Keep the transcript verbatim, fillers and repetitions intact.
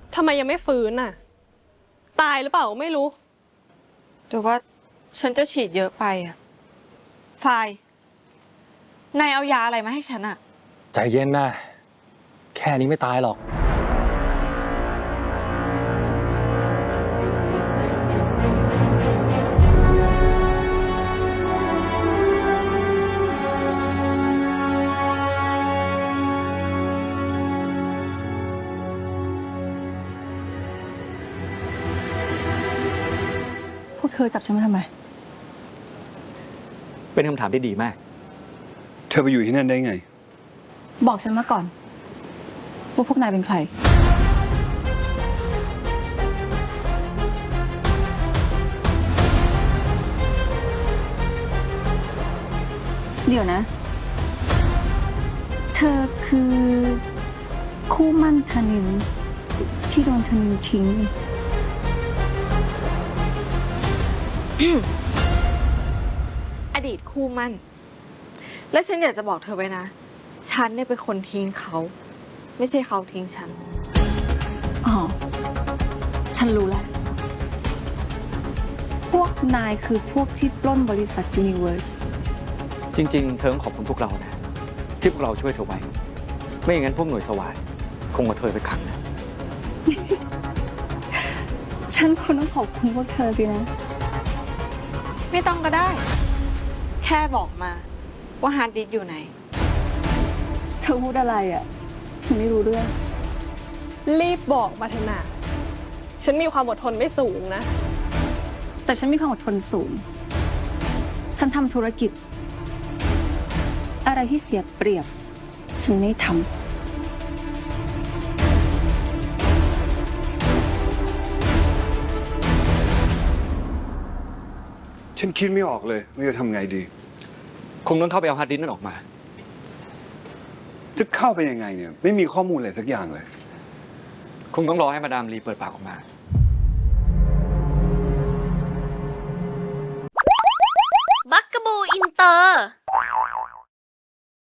ทำไมยังไม่ฟื้นน่ะตายหรือเปล่าไม่รู้หรือว่าฉันจะฉีดเยอะไปอะไฟนายเอายาอะไรมาให้ฉันอะใจเย็นนะแค่นี้ไม่ตายหรอกพวกเธอจับฉันมาทำไมเป็นคำถามที่ดีมากเธอไปอยู่ที่นั่นได้ไงบอกฉันมาก่อนว่าพวกนายเป็นใครเดี๋ยวนะ เธอคือคู่มั่นธนินที่โดนธนินทิ้งอดีตคู่มั่นและฉันอยากจะบอกเธอไว้นะฉันเนี่ยเป็นคนทิ้งเขาไม่ใช่เขาทิ้งฉันอ๋อฉันรู้แล้วพวกนายคือพวกที่ปล้นบริษัทยูนิเวอร์สจริงๆเธอต้องขอบคุณพวกเรานะที่พวกเราช่วยเธอไว้ไม่อย่างนั้นพวกหน่วยสวาทคงมาเธอไปขังนะฉันคนต้องขอบคุณพวกเธอสินะไม่ต้องก็ได้แค่บอกมาว่าฮาร์ดดิสก์อยู่ไหนเธอพูดอะไรอ่ะฉันไม่รู้เรื่องรีบบอกมาเถอะนะฉันมีความอดทนไม่สูงนะแต่ฉันมีความอดทนสูงฉันทำธุรกิจอะไรที่เสียเปรียบฉันไม่ทำฉันคิดไม่ออกเลยว่าจะทำไงดีคงต้องเข้าไปเอาฮาร์ดดิสก์นั่นออกมาจะเข้าไปยังไงเนี่ยไม่มีข้อมูลอะไรสักอย่างเลยคงต้องรอให้มาดามลีเปิดปากออกมา